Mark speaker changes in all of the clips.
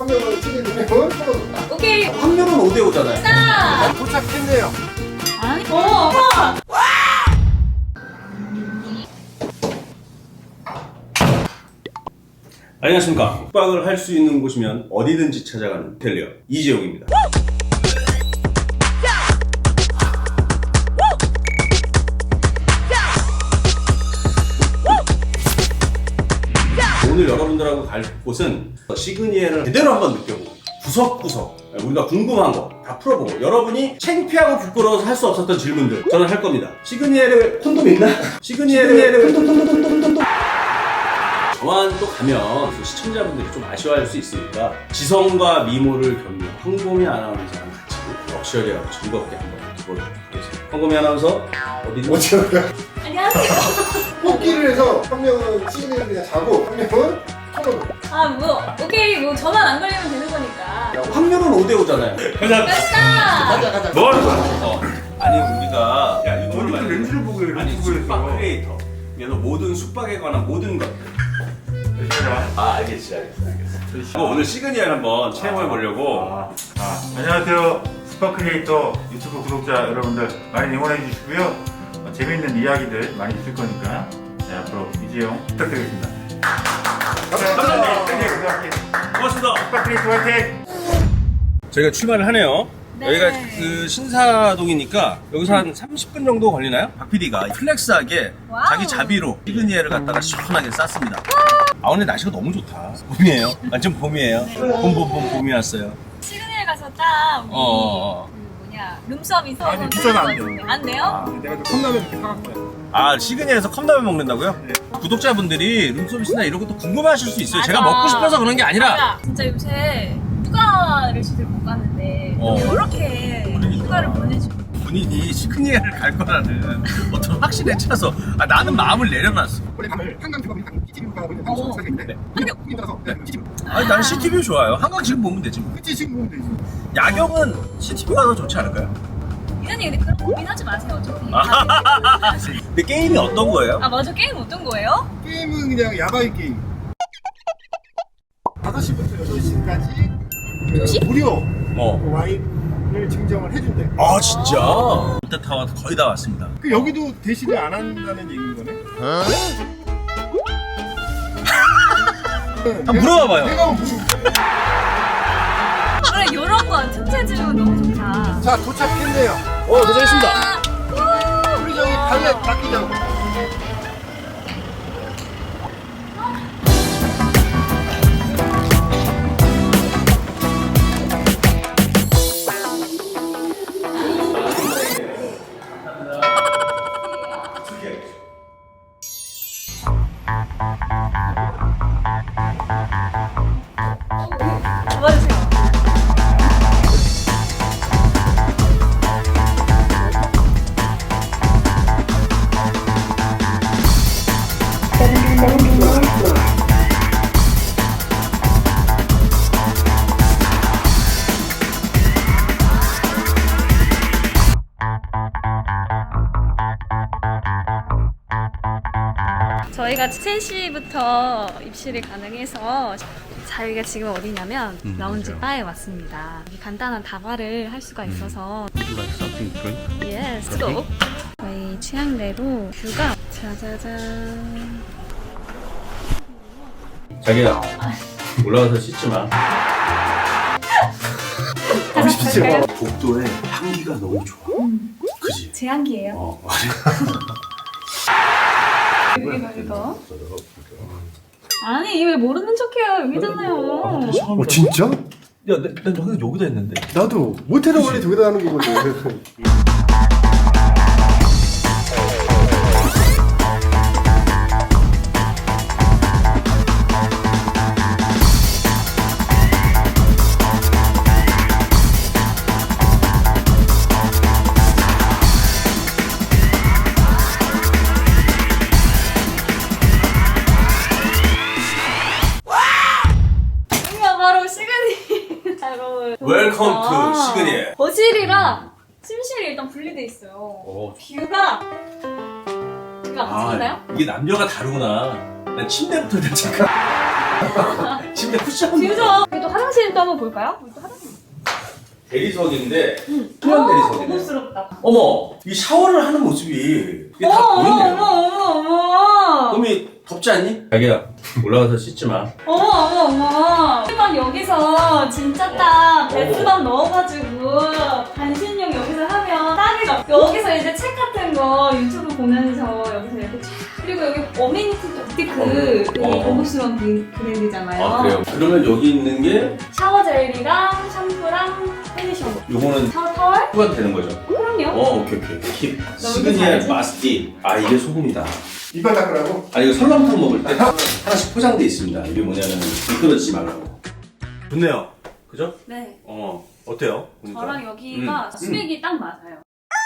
Speaker 1: 한 명은 시그니엘, 한 명은 1,000원.
Speaker 2: 오케이.
Speaker 3: 확률은 5대5잖아요.
Speaker 2: 나.
Speaker 1: 도착했네요.
Speaker 2: 아니. 와.
Speaker 3: 안녕하십니까. 숙박을 할 수 있는 곳이면 어디든지 찾아가는 텔리어 이재용입니다. 오늘 여러분들하고 갈 곳은 시그니엘을 제대로 한번 느껴보고 구석구석 우리가 궁금한 거 다 풀어보고 여러분이 창피하고 부끄러워서 할 수 없었던 질문들 저는 할 겁니다. 시그니엘을 콘돔 있나? 시그니엘을 저만 또 가면 그 시청자분들이 좀 아쉬워할 수 있으니까 지성과 미모를 겸비한 황보미 아나운서랑 같이 럭셔리하고 즐겁게 한번 해보도록 하겠습니다. 황보미 아나운서 어디지?
Speaker 1: 어디가?
Speaker 2: 안녕하세요.
Speaker 1: 뽑기를 해서 한 명은 시그니엘 그냥 자고 한 명은 1,000원.
Speaker 2: 아, 뭐. 오케이. 뭐 저만 안 걸리면 되는 거니까.
Speaker 3: 확률은 5대5잖아요.
Speaker 2: 됐다.
Speaker 3: 뭘? 아니 우리가 야 유튜브를
Speaker 4: 어디서 렌즈를 보고 이래,
Speaker 3: 아니
Speaker 4: 유튜브에서.
Speaker 3: 숙박 크리에이터 그래서 모든 숙박에 관한 모든 것들 알겠어. 오늘 시그니엘 한번 체험해 보려고.
Speaker 4: 안녕하세요. 스파 크리에이터 유튜브 구독자 여러분들 많이 응원해 주시고요. 재미있는 이야기들 많이 있을 거니까 네, 앞으로 이재용 부탁드리겠습니다.
Speaker 1: 감사합니다.
Speaker 3: 고맙습니다.
Speaker 4: 스파 크리에이터 화이팅!
Speaker 3: 저희가 출발을 하네요.
Speaker 2: 네.
Speaker 3: 여기가 그 신사동이니까 여기서 한 30분 정도 걸리나요? 박 PD가 플렉스하게
Speaker 2: 와우.
Speaker 3: 자기 자비로 시그니엘을 갖다가 시원하게 쌌습니다. 아 오늘 날씨가 너무 좋다. 봄이에요. 완전 봄이에요. 봄이 왔어요.
Speaker 2: 시그니엘 가서 딱 우리 그 뭐냐 룸서비스
Speaker 4: 아니, 비싸면 안 돼요.
Speaker 2: 안 돼요?
Speaker 4: 내가 좀 컵라면 이렇게 사갈 거예요.
Speaker 3: 아 시그니엘에서 컵라면 먹는다고요?
Speaker 4: 네.
Speaker 3: 구독자분들이 룸서비스나 이런 것도 궁금해하실 수 있어요. 제가
Speaker 2: 맞아.
Speaker 3: 먹고 싶어서 그런 게 아니라
Speaker 2: 맞아. 진짜 요새 휴가를 제대로 못 가는데 이렇게 휴가를 보내주고
Speaker 3: 본인이 시그니엘을 갈 거라는 어떤 확신에 차서 나는 마음을 내려놨어.
Speaker 1: 원래 가면 한강 주가 보니까 CCTV가 보이는 방송 시간이 있는데 한강 따라서 CCTV.
Speaker 3: 아니 난 CTV 좋아요. 한강 지금 보면 되지 뭐.
Speaker 1: 그치 지금 보면 되지.
Speaker 3: 야경은 CTV가 더 좋지 않을까요?
Speaker 2: 이사님 근데 그런 고민하지 마세요 어차피
Speaker 3: 근데 게임이 어떤 거예요?
Speaker 2: 아 맞아 게임 어떤 거예요?
Speaker 1: 게임은 그냥 야바이 게임. 5시부터 8시까지 무료 와인을 증정을 해준대.
Speaker 3: 아 진짜? 롯데타워 거의 다 왔습니다.
Speaker 1: 그 여기도 대시를 안 한다는 얘기인 거네?
Speaker 3: 한번 물어봐봐요.
Speaker 1: 내가 무슨
Speaker 2: 그래 요런 거 틈새지면 너무 좋다
Speaker 1: 자 도착했네요.
Speaker 3: 도착했습니다.
Speaker 2: 아,
Speaker 1: 우리 저기 발레 닦이자고.
Speaker 2: 잡아주세요 저희가 3시부터 입실이 가능해서 저희가 지금 어디냐면 라운지 바에 왔습니다. 여기 간단한 다발을 할 수가 있어서 Yes, go! 저희 취향대로 뷰가 짜자잔
Speaker 3: 자기야 올라가서 씻지 마.
Speaker 2: 갈까요?
Speaker 3: 복도에 향기가 너무 좋아. 그지?
Speaker 2: 제 향기예요.
Speaker 3: 어.
Speaker 2: 이거 아니 왜 모르는 척해요 여기잖아요.
Speaker 1: 진짜?
Speaker 3: 야, 난 항상 여기다 했는데.
Speaker 1: 나도 모텔은 원래 저기다 하는 거거든.
Speaker 2: 여기가 바로 시그니엘 바로
Speaker 3: 웰컴 투 시그니엘.
Speaker 2: 거실이랑 침실이 일단 분리돼 있어요.
Speaker 3: 오.
Speaker 2: 뷰가 같이 있나요?
Speaker 3: 이게 남녀가 다르구나. 난 침대부터 대체까. 침대 쿠션.
Speaker 2: 지우죠. 그래도 화장실도 한번 볼까요? 또 화장실.
Speaker 3: 대리석인데 수면 대리석이네.
Speaker 2: 고급스럽다.
Speaker 3: 어머, 이 샤워를 하는 모습이 이게 다 보이네요.
Speaker 2: 어머.
Speaker 3: 그럼이 덥지 않니? 자기야, 올라가서 씻지 마.
Speaker 2: 어머. 일반 여기서 진짜 딱 베스밤 넣어가지고 반신욕 여기서 하면 딱이죠. 여기서 이제 책 같은 거 유튜브 보면서 여기서 이렇게 쫙. 그리고 여기 어메니티 되게 고급스러운 브랜드잖아요.
Speaker 3: 아, 그래요? 그러면 여기 있는 게
Speaker 2: 샤워 젤리랑 샴푸랑 컨디셔너.
Speaker 3: 요거는
Speaker 2: 샤워 타월?
Speaker 3: 후가 되는 거죠?
Speaker 2: 그럼요.
Speaker 3: 오케이. 킵.
Speaker 2: 너무
Speaker 3: 시그니엘
Speaker 2: 잘하지?
Speaker 3: 마스티. 아, 이게 소금이다.
Speaker 1: 이빨 닦으라고?
Speaker 3: 아니, 이거 설렁탕 먹을 때 하나씩 포장돼 있습니다. 이게 뭐냐면 미끄러지지 말라고. 좋네요. 그죠?
Speaker 2: 네.
Speaker 3: 어때요? 보니까.
Speaker 2: 저랑 여기가 수맥이 딱 맞아요.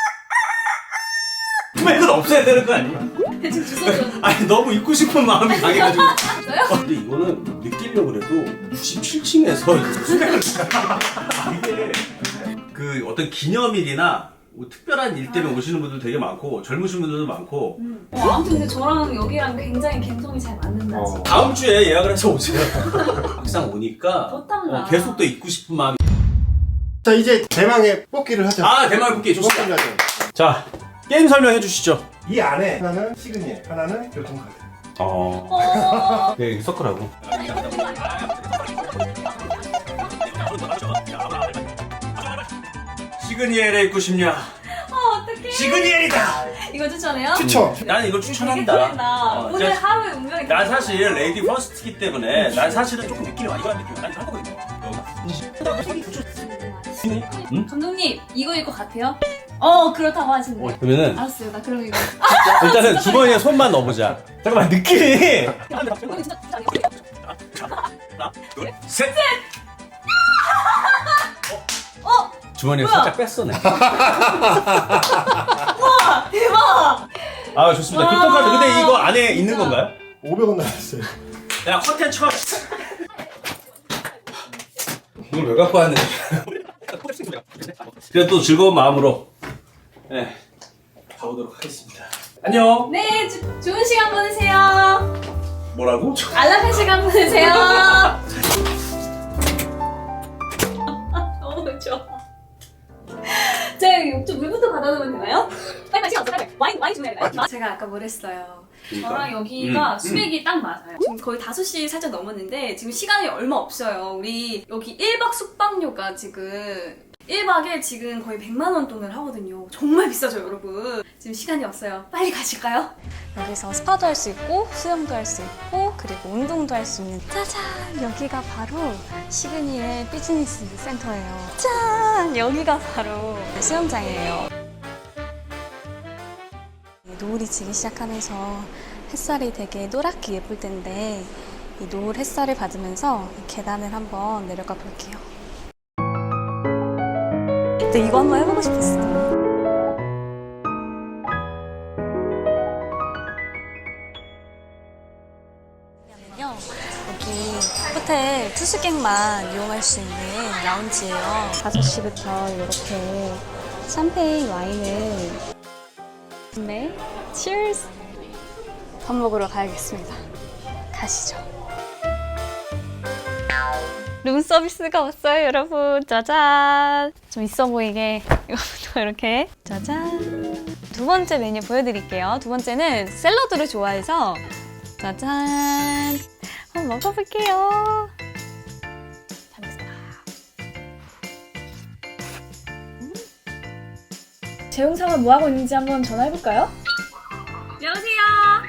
Speaker 3: 이건 없애야 되는 거 아니야?
Speaker 2: 대충 주소죠.
Speaker 3: 아니, 너무 입고 싶은 마음이 강해가지고.
Speaker 2: 저요?
Speaker 3: 근데 이거는 느끼려고 그래도 97층에서 수맥을 이게 그 어떤 기념일이나 뭐 특별한 일 때문에 오시는 분들 되게 많고 젊으신 분들도 많고
Speaker 2: 아무튼 근데 저랑 여기랑 굉장히 감성이 잘 맞는다 지금.
Speaker 3: 다음 주에 예약을 해서 오세요. 막상 오니까
Speaker 2: 더 땀나.
Speaker 3: 계속 또 입고 싶은 마음이.
Speaker 1: 자, 이제 대망의 뽑기를 하자.
Speaker 3: 아, 대만 국기
Speaker 1: 뽑기를
Speaker 3: 좋습니다.
Speaker 1: 하자.
Speaker 3: 자, 게임 설명해 주시죠.
Speaker 1: 이 안에 하나는 시그니엘, 하나는 교통카드.
Speaker 3: 네, 섞으라고. 시그니엘에 입고 싶냐?
Speaker 2: 어떡해.
Speaker 3: 시그니엘이다.
Speaker 2: 이거 추천해요?
Speaker 1: 추천.
Speaker 3: 나는 이걸
Speaker 2: 되게
Speaker 3: 추천한다.
Speaker 2: 설렌다. 오늘
Speaker 3: 진짜
Speaker 2: 하루의 운명이
Speaker 3: 난 사실 레이디 퍼스트기 때문에 난 사실은 조금 느낌이 많이 가는 느낌. 난잘 거거든요. 응?
Speaker 2: 감독님 이거일 것 같아요? 그렇다고 하시는데.
Speaker 3: 그러면은
Speaker 2: 알았어요. 나 그럼 이거.
Speaker 3: 일단은 주머니에 손만 넣어보자. 잠깐만, 느낌이.
Speaker 2: 이거는 진짜
Speaker 3: 하나, 둘, 셋. 주머니에
Speaker 2: 뭐야?
Speaker 3: 살짝 뺐어네.
Speaker 2: 대박.
Speaker 3: 아, 좋습니다.
Speaker 2: 와.
Speaker 3: 교통카드. 근데 이거 안에 있는 건가요?
Speaker 1: 500원 나왔어요.
Speaker 3: 야, 컨텐츠. 이걸 왜 갖고 왔네. 그래, 또 즐거운 마음으로 네, 가보도록 하겠습니다. 안녕.
Speaker 2: 네, 좋은 시간 보내세요.
Speaker 3: 뭐라고?
Speaker 2: 안락한 시간 보내세요. 너무 좋아. 제가 욕좀 물부터 받아놓으면 되나요? 빨리 시간 없어. 와인 주면 되나요? 제가 아까 뭘 했어요. 저랑 여기가 수맥이 딱 맞아요. 지금 거의 5시 살짝 넘었는데 지금 시간이 얼마 없어요. 우리 여기 1박 숙박료가 지금 1박에 지금 거의 100만 원 돈을 하거든요. 정말 비싸죠, 여러분. 지금 시간이 없어요. 빨리 가실까요?
Speaker 5: 여기서 스파도 할 수 있고 수영도 할 수 있고 그리고 운동도 할 수 있는 짜잔! 여기가 바로 시그니엘 비즈니스 센터예요. 짠! 여기가 바로 수영장이에요. 노을이 지기 시작하면서 햇살이 되게 노랗게 예쁠 텐데 이 노을 햇살을 받으면서 이 계단을 한번 내려가 볼게요. 근데 이거 한번 해보고 싶었어요. 여기 호텔 투숙객만 이용할 수 있는 라운지예요. 5시부터 이렇게 샴페인 와인을 네, 치얼스! 밥 먹으러 가야겠습니다. 가시죠. 룸 서비스가 왔어요, 여러분. 짜잔! 좀 있어 보이게 이거부터 이렇게 짜잔! 두 번째 메뉴 보여드릴게요. 두 번째는 샐러드를 좋아해서 짜잔! 한번 먹어볼게요. 잘 먹겠습니다.
Speaker 2: 재용상은 뭐 하고 있는지 한번 전화해볼까요? 여보세요.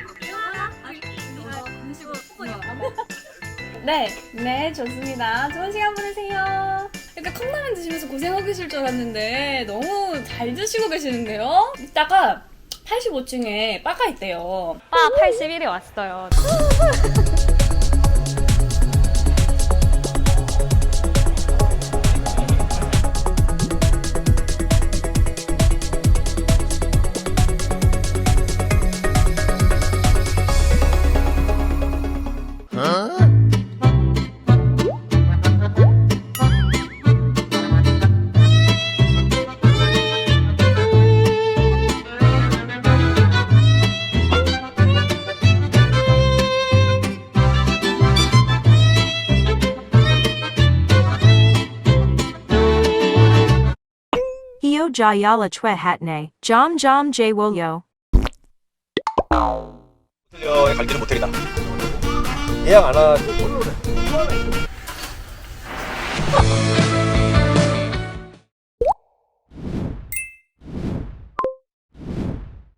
Speaker 2: 네, 좋습니다. 좋은 시간 보내세요. 약간 컵라면 드시면서 고생하고 계실 줄 알았는데 너무 잘 드시고 계시는데요? 이따가 85층에 바가 있대요.
Speaker 5: 바 81에 왔어요.
Speaker 6: jayala chwe hatne, jam j wolyo.
Speaker 7: 호텔에 갈 때는 모텔이다. 예약 안 하고.